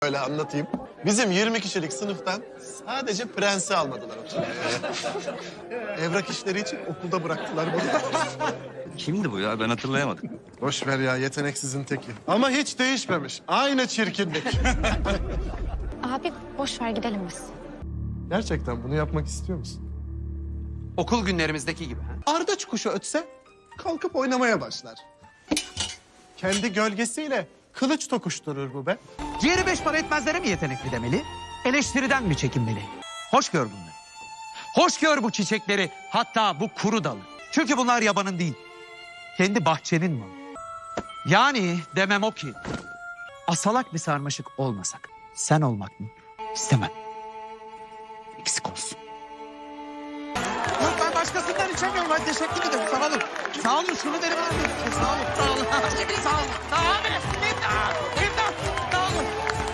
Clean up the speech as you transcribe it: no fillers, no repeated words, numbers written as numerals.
Öyle anlatayım. Bizim 20 kişilik sınıftan sadece prensi almadılar oturmaya. Evrak işleri için okulda bıraktılar bunu. Kimdi bu ya? Ben hatırlayamadım. Boş ver ya, yeteneksizin teki. Ama hiç değişmemiş. Aynı çirkinlik. Abi boş ver gidelim biz. Gerçekten bunu yapmak istiyor musun? Okul günlerimizdeki gibi. Ha? Ardaç kuşu ötse kalkıp oynamaya başlar. Kendi gölgesiyle kılıç tokuşturur bu be. Diğeri 5 para etmezlere mi yetenekli demeli? Eleştiriden mi çekinmeli? Hoş gör bunları. Hoş gör bu çiçekleri, hatta bu kuru dalı. Çünkü bunlar yabanın değil. Kendi bahçenin malı. Yani demem o ki, asalak bir sarmaşık olmasak, sen olmak mı? İstemem. Eksik olsun. Yok, ben başkasından içemiyorum. Ben teşekkür ederim. Sağ olun. Sağ olun. Şunu verin abi. Sağ olun. Sağ olun. Sağ olun. Sağ olun.